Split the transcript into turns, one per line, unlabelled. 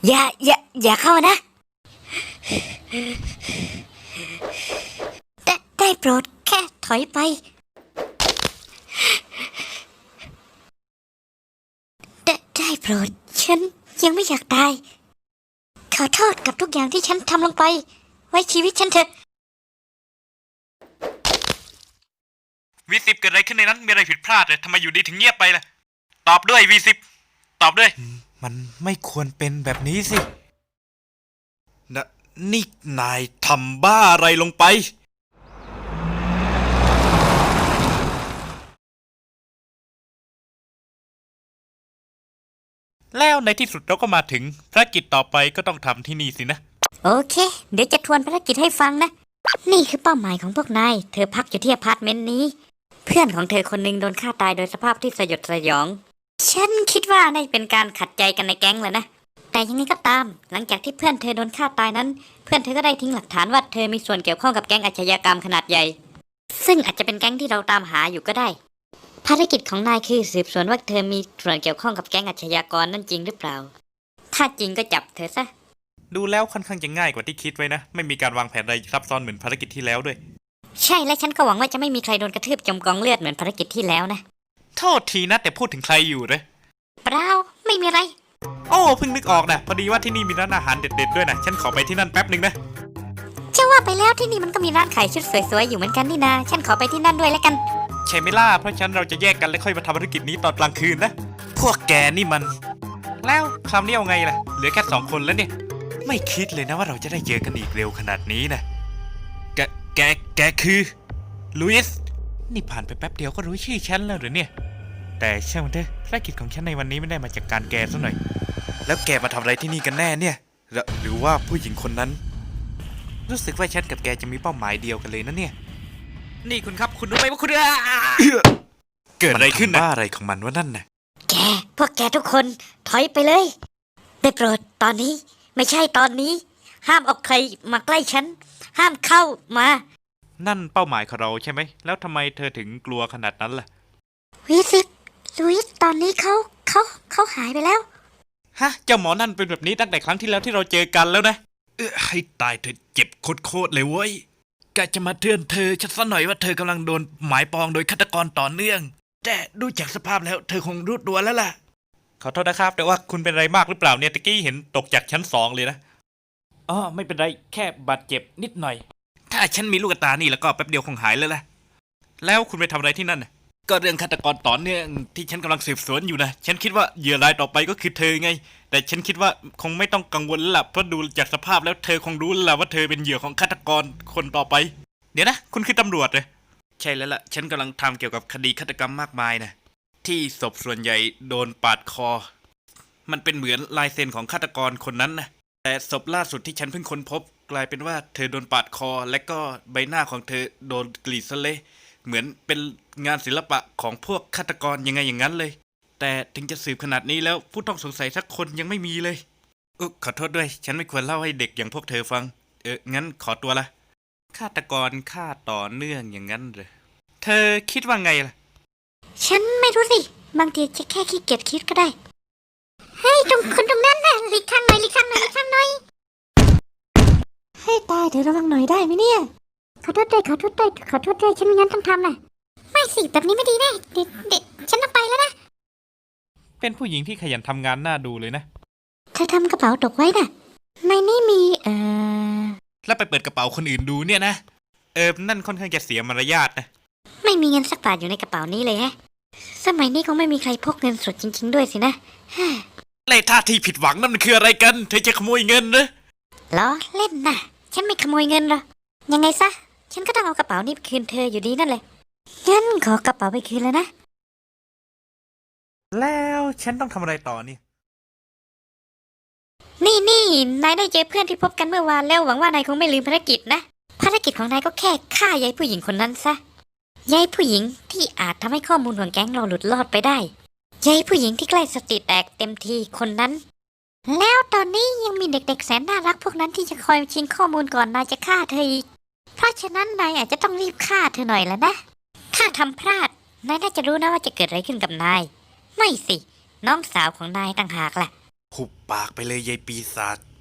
อย่าเข้านะได้โปรดแค่ถอยไปได้โปรดฉันยังไม่อยากตายขอโทษกับทุกอย่างที่ฉันทำลงไปไว้ชีวิตฉันเถอะ
V10เกิดอะไรขึ้นในนั้นมีอะไรผิดพลาดเลยทำไมอยู่ดีถึงเงียบไปล่ะตอบด้วย V10 ตอบด้วยมันไม่ควรเป็นแบบนี้สินะนี่นายทำบ้าอะไรลงไปแล้วในที่สุดเราก็มาถึงภารกิจต่อไปก็ต้องทำที่นี่สินะ
โอเคเดี๋ยวจะทวนภารกิจให้ฟังนะนี่คือเป้าหมายของพวกนายเธอพักอยู่ที่อพาร์ตเมนต์นี้เพื่อนของเธอคนหนึ่งโดนฆ่าตายโดยสภาพที่สยดสยองฉันคิดว่าน่าจะเป็นการขัดใจกันในแก๊งแหละนะแต่ยังไงก็ตามหลังจากที่เพื่อนเธอโดนฆ่าตายนั้นเพื่อนเธอก็ได้ทิ้งหลักฐานว่าเธอมีส่วนเกี่ยวข้องกับแก๊งอาชญากรรมขนาดใหญ่ซึ่งอาจจะเป็นแก๊งที่เราตามหาอยู่ก็ได้ภารกิจของนายคือสืบสวนว่าเธอมีส่วนเกี่ยวข้องกับแก๊งอาชญากรนั่นจริงหรือเปล่าถ้าจริงก็จับเธอซะ
ดูแล้วค่อนข้างจะง่ายกว่าที่คิดไว้นะไม่มีการวางแผนอะไรซับซ้อนเหมือนภารกิจที่แล้วด้วย
ใช่และฉันก็หวังว่าจะไม่มีใครโดนกระทืบจมกองเลือดเหมือนภารกิจที่แล้วนะ
โทษทีนะแต่พูดถึงใครอยู่เลย
เปล่าไม่มีอะไร
โอ้เพิ่งนึกออกนะพอดีว่าที่นี่มีร้านอาหารเด็ดๆด้วยนะฉันขอไปที่นั่นแป๊บนึงนะ
จะว่าไปแล้วที่นี่มันก็มีร้านขายชุดสวยๆอยู่เหมือนกันนี่นาฉันขอไปที่นั่นด้วยแล้วกัน
ใช่ไหมล่ะเพราะฉะนั้นเราจะแยกกันแล้วค่อยมาทำภารกิจนี้ตอนกลางคืนนะพวกแกนี่มันแล้วคราวนี้เอาไงล่ะเหลือแค่2 คนแล้วเนี่ยไม่คิดเลยนะว่าเราจะได้เจอกันอีกเร็วขนาดนี้นะแกคือลุยส์นี่ผ่านไปแป๊บเดียวก็รู้ชื่อฉันแล้วหรือเนี่ยแต่เชื่อมันเถอะภารกิจของฉันในวันนี้ไม่ได้มาจากการแกซะหน่อยแล้วแกมาทำอะไรที่นี่กันแน่เนี่ยหรือว่าผู้หญิงคนนั้นรู้สึกว่าฉันกับแกจะมีเป้าหมายเดียวกันเลยนะเนี่ยนี่คุณครับคุณรู้ไหมว่าคุณเกิดอะไรขึ้นนะอะไรของมันวะนั่นน่ะ
พวกแกทุกคนถอยไปเลยได้โปรดตอนนี้ไม่ใช่ตอนนี้ห้ามเอาใครมาใกล้ฉันห้ามเข้ามา
นั่นเป้าหมายของเราใช่ไหมแล้วทำไมเธอถึงกลัวขนาดนั้นล่ะ
ลุยส์ตอนนี้เขาหายไปแล้ว
ฮะเจ้าหมอนั่นเป็นแบบนี้ตั้งแต่ครั้งที่แล้วที่เราเจอกันแล้วนะให้ตายเธอเจ็บโคตรเลยเว้ยกะจะมาเตือนเธอชัดซะหน่อยว่าเธอกำลังโดนหมายปองโดยฆาตกรต่อเนื่องแต่ดูจากสภาพแล้วเธอคงรู้ตัวแล้วล่ะขอโทษนะครับแต่ว่าคุณเป็นอะไรมากหรือเปล่าเนี่ยตะกี้เห็นตกจากชั้น2เลยนะอ๋อไม่เป็นไรแค่บาดเจ็บนิดหน่อยถ้าฉันมีลูกตานี่แล้วก็แป๊บเดียวคงหายแล้วล่ะแล้วคุณไปทำอะไรที่นั่นน่ะก็เรื่องฆาตกรต่อเนื่องที่ฉันกำลังสืบสวนอยู่นะฉันคิดว่าเหยื่อรายต่อไปก็คือเธอไงแต่ฉันคิดว่าคงไม่ต้องกังวลแล้วล่ะเพราะดูจากสภาพแล้วเธอคงรู้แล้วล่ะว่าเธอเป็นเหยื่อของฆาตกรคนต่อไปเดี๋ยวนะคุณคือตำรวจเลยใช่แล้วล่ะฉันกำลังทำเกี่ยวกับคดีฆาตกรรมมากมายนะที่ศพส่วนใหญ่โดนปาดคอมันเป็นเหมือนลายเซ็นของฆาตกรคนนั้นนะแต่ศพล่าสุดที่ฉันเพิ่งค้นพบกลายเป็นว่าเธอโดนปาดคอและก็ใบหน้าของเธอโดนกรีดซะเละเหมือนเป็นงานศิลปะของพวกฆาตกรยังไงอย่างนั้นเลยแต่ถึงจะสืบขนาดนี้แล้วผู้ต้องสงสัยสักคนยังไม่มีเลยขอโทษด้วยฉันไม่ควรเล่าให้เด็กอย่างพวกเธอฟังงั้นขอตัวละฆาตกรฆ่าต่อเนื่องอย่างนั้นเลยเธอคิดว่าไงล่ะ
ฉันไม่รู้สิบางทีจะแค่ขี้เกียจคิดก็ได้เฮ้ยคนตรงนั้นน่ะหลีกทางหน่อยให้ตายเดี๋ยวระวังหน่อยได้ไหมเนี่ยขอโทษด้วยฉันไม่งั้นต้องทำน่ะไม่สิแบบนี้ไม่ดีแน่เด็กฉันต้องไปแล้วนะ
เป็นผู้หญิงที่ขยันทำงานน่าดูเลยนะ
เธอทำกระเป๋าตกไว้น่ะในนี่มี
แล้วไปเปิดกระเป๋าคนอื่นดูเนี่ยนะนั่นค่อนข้างจะเสียมารยาทนะ
ไม่มีเงินสักบาทอยู่ในกระเป๋านี้เลยฮะสมัยนี้คงไม่มีใครพกเงินสดจริงๆด้วยสินะ
เลยท่าที่ผิดหวังนั่นมันคืออะไรกันเธอจะขโมยเงินนะ
ล้อเล่นนะฉันไม่ขโมยเงินหรอกยังไงซะฉันก็ต้องเอากระเป๋านี้ไปคืนเธออยู่ดีนั่นแหละงั้นขอกระเป๋าไปคืนแล้วนะ
แล้วฉันต้องทำอะไรต่อนี่
นี่นายได้เจอเพื่อนที่พบกันเมื่อวานแล้วหวังว่านายคงไม่ลืมภารกิจนะภารกิจของนายก็แค่ฆ่ายายผู้หญิงคนนั้นซะยายผู้หญิงที่อาจทำให้ข้อมูลของแก๊งเราหลุดรอดไปได้ยายผู้หญิงที่ใกล้สติแตกเต็มทีคนนั้นแล้วตอนนี้ยังมีเด็กๆแสนน่ารักพวกนั้นที่จะคอยชิงข้อมูลก่อนนายจะฆ่าเธออีกเพราะฉะนั้นนายอาจจะต้องรีบฆ่าเธอหน่อยแล้วนะถ้าทำพลาดนายน่าจะรู้นะว่าจะเกิดอะไรขึ้นกับนายไม่สิน้องสาวของนายต่างหากแหละ
หุบปากไปเลยยายปีศาจ